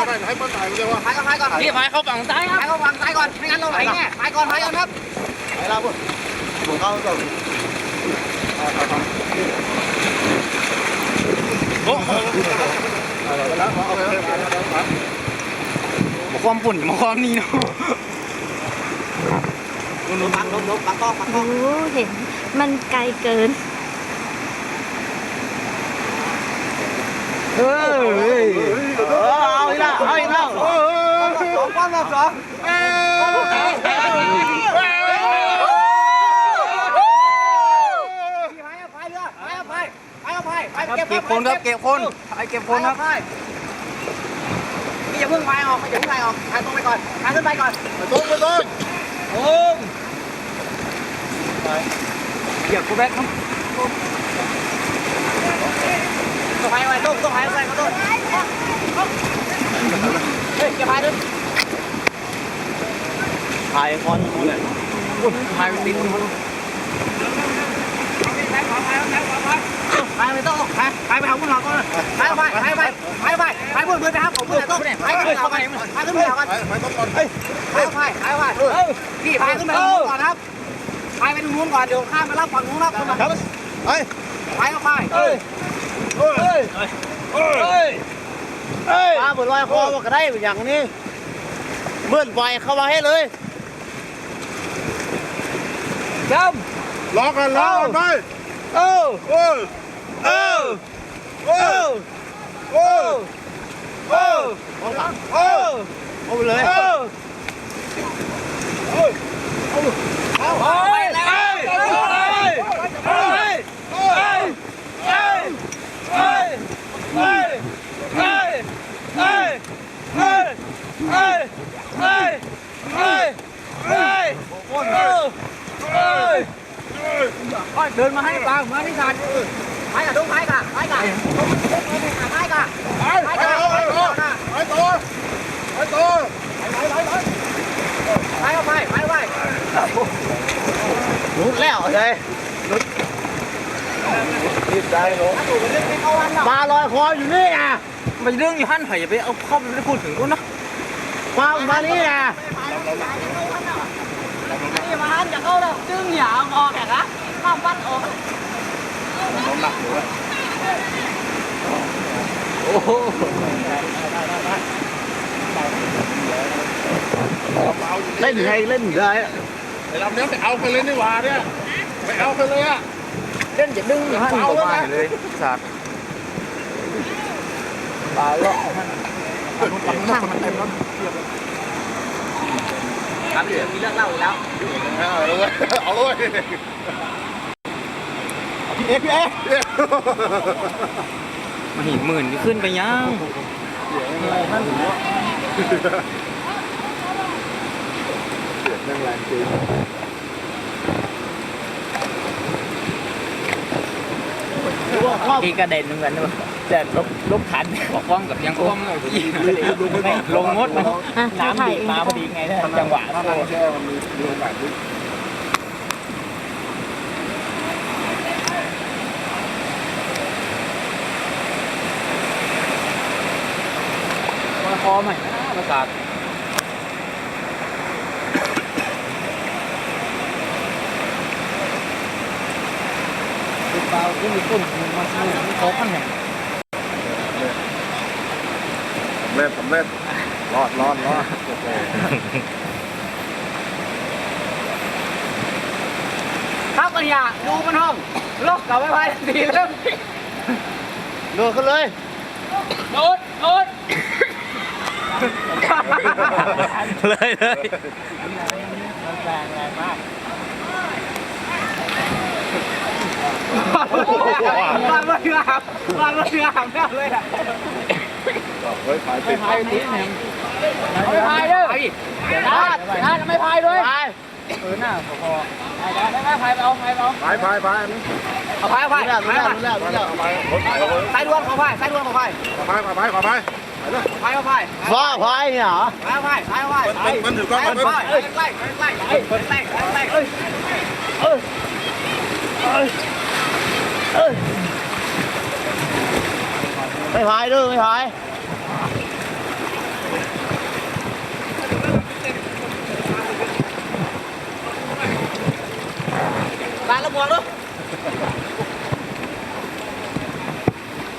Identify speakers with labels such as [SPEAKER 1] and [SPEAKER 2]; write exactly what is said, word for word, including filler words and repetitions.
[SPEAKER 1] ได้ให้เปิ้ลถ่ายเดียวว่า
[SPEAKER 2] พายก่อนพายก่อน
[SPEAKER 3] พี่พายเข้าฝั่งซ้ายครับ
[SPEAKER 2] พายเข้าฝั่งซ้ายก่อนไม่งั้นเราไหลแน่พายก่อนพายก่อนครับ
[SPEAKER 1] ไปแล้วปุ๊บผมเข้าก่อนโอ้โหแล้วเอาไปแล้ว
[SPEAKER 3] ความปุ่นมาความนี่เนาะ
[SPEAKER 2] ลบปักลบลบปักต้องปักต้อง
[SPEAKER 4] โอ้เห็นมันไกลเกิน
[SPEAKER 3] เฮ้ยเอาอีกแล้วเอาอีกแล้ว
[SPEAKER 2] สองก้อนสอง
[SPEAKER 3] เก็บคนครับเก็บคนไอเก็บคนครับ
[SPEAKER 2] พี่อย่าเพิ่งพายออกอย่าเพิ่งพายออกพายตรงไปก่อนพายขึ้นไปก่อน
[SPEAKER 1] ไปต้นไปต้น
[SPEAKER 3] โอ้ยเหยียบกูแบ็คครับ
[SPEAKER 2] ต้องพายไปต้องต้องพายไปก็ต้องเฮ้ยอย่าพายด้วย
[SPEAKER 3] ถ่ายคอนอยู่เลยถ่ายไปติดมัน
[SPEAKER 2] พายไปต้องพายพายไปเอาคุณหลอกก่อนพายไปพายไปพายไปพายบนเรือไปครับผมเรือต้องพายขึ้นไปพายขึ้นไปก่อน
[SPEAKER 1] ไปไปต้นก่อน
[SPEAKER 2] พายพายพายพายพี่พายขึ้นไปตรงนู้นก่อนครับพายไปตรงนู้นก่อนเดี๋ยวข้ามไปรับฝั่งนู้นครับ
[SPEAKER 1] ครับไป
[SPEAKER 2] พายก็พาย
[SPEAKER 1] เฮ้ยเฮ้ยเฮ้ยเฮ้ย
[SPEAKER 3] ปลาเปิดลอยคอมาก็ได้อย่างนี้เมื่อนไฟเข้ามาให้เลยจำ
[SPEAKER 1] ล็อกกันล็อกกันไป
[SPEAKER 3] เออ
[SPEAKER 1] โอ้ย
[SPEAKER 3] เออ
[SPEAKER 1] โอ้ยโอ้ยโอ้ย
[SPEAKER 3] โอ้
[SPEAKER 1] โอ้ย
[SPEAKER 3] เอาไปเลย
[SPEAKER 1] โอ้ยโอ้ย
[SPEAKER 2] เอาไปแล้ว
[SPEAKER 1] โอ้ยโอ้ยโอ้ยโอ้ยโอ้ยโอ้ยโอ้ยโอ้ยโอ้ยโอ้ยโอ้ยโอ้ยโอ้ยโอ้ยโอ้ย
[SPEAKER 3] เดินมาให้ปลามาที่สัตว์
[SPEAKER 2] พายกับต้องพายกับพายกับพายกับ
[SPEAKER 1] ไปไปต่อไปต่อไปต่อไปต่อ
[SPEAKER 2] พายก็พายพายไป
[SPEAKER 3] รุดแล้วเลยรุดรีบได้หรอ
[SPEAKER 2] ถ้าถูกเรื่องไม่เข้าวันหรอก
[SPEAKER 3] ปลาลอยคออยู่นี่อ่ะมันเรื่องอยู่หั่นไผ่อย่าไปเอาเข้าไปไม่ได้พูดถึงกูนะปลามานี่อ่ะ
[SPEAKER 2] นี่มาหันจะเข้าแล้วจึงหยาออกแขกนะข้ามวัดออก
[SPEAKER 1] น้ำหนักอยู่อะ
[SPEAKER 3] โอ้โห เล่นไงเล่นได้
[SPEAKER 1] ไอ้ลำนี้ไปเอาไปเลยนี่หว่าเนี่ยไปเอาไปเลยอะ
[SPEAKER 3] เล่นอย่าดึงอยู่หั่นตัวไปเลยสัตว์ปลาเลาะหั่น
[SPEAKER 2] ครับเดี๋ยวมีเรื่องเล่าอีกแล้ว
[SPEAKER 1] เอาเลยเอาเลยพี่เอ๊ะพี่เอ๊ะ
[SPEAKER 3] มาหินหมื่นก็ขึ้นไปยังนั่นหัว
[SPEAKER 1] นั่งแรงจริง
[SPEAKER 3] ที่กระเด็นเหมือนกันด้วยแต่ลบลบขันบอกคว่ำกับยังคว่ำลงมดน้ำดีมาพอดีไงจังหวะ
[SPEAKER 1] ถ้าเราแช่มันมีมีโอกาสที่
[SPEAKER 3] คอใหม่นะประสาทเปล่าที่มีต้นมาซื้อที่เขาขั้นแห่ง
[SPEAKER 1] เล่นสำเร็จรอดรอดรอดโอเค
[SPEAKER 2] ครับปัญญาดูมันห้องลบกับไม่พายดีเริ่ม
[SPEAKER 3] โดดขึ้นเลย
[SPEAKER 2] โดดโดด
[SPEAKER 3] เลยเลย
[SPEAKER 2] แรงแรงมากวางเลยครับวางเลยครับแน่เลยอ่ะ
[SPEAKER 1] เฮ้ยพายติด
[SPEAKER 2] พายนิดนึงไม่พายด้วยเดี๋ยวนะนะไม่พายด้วยพาย
[SPEAKER 3] เออหน้าพอ
[SPEAKER 2] ไม่ไม่พายไปเอาพายไปเอา
[SPEAKER 1] พายพายพาย
[SPEAKER 2] เอาพายเอาพาย
[SPEAKER 3] รู้แล้ว
[SPEAKER 2] พาย
[SPEAKER 3] รู้แล้วรู้แล้ว
[SPEAKER 1] เอาพายรถไถเอา
[SPEAKER 2] สายดวงขอพายสายดวงขอพาย
[SPEAKER 1] พายพายขอพายไปเลย
[SPEAKER 2] พายเอาพาย
[SPEAKER 3] ฟ้าพายเนี่ยเหรอ
[SPEAKER 2] พายเอาพายพายเอาพาย
[SPEAKER 1] มันมันถือกล้อง
[SPEAKER 2] พาย
[SPEAKER 1] มัน
[SPEAKER 2] เอาพายใกล้ใกล้ใกล้ใกล้ใกล้ใกล้เอ้ย
[SPEAKER 3] เอ้ยเอ้ยเอ้ยไม่พายด้วยไม่พาย
[SPEAKER 2] ตาละบวกด้วย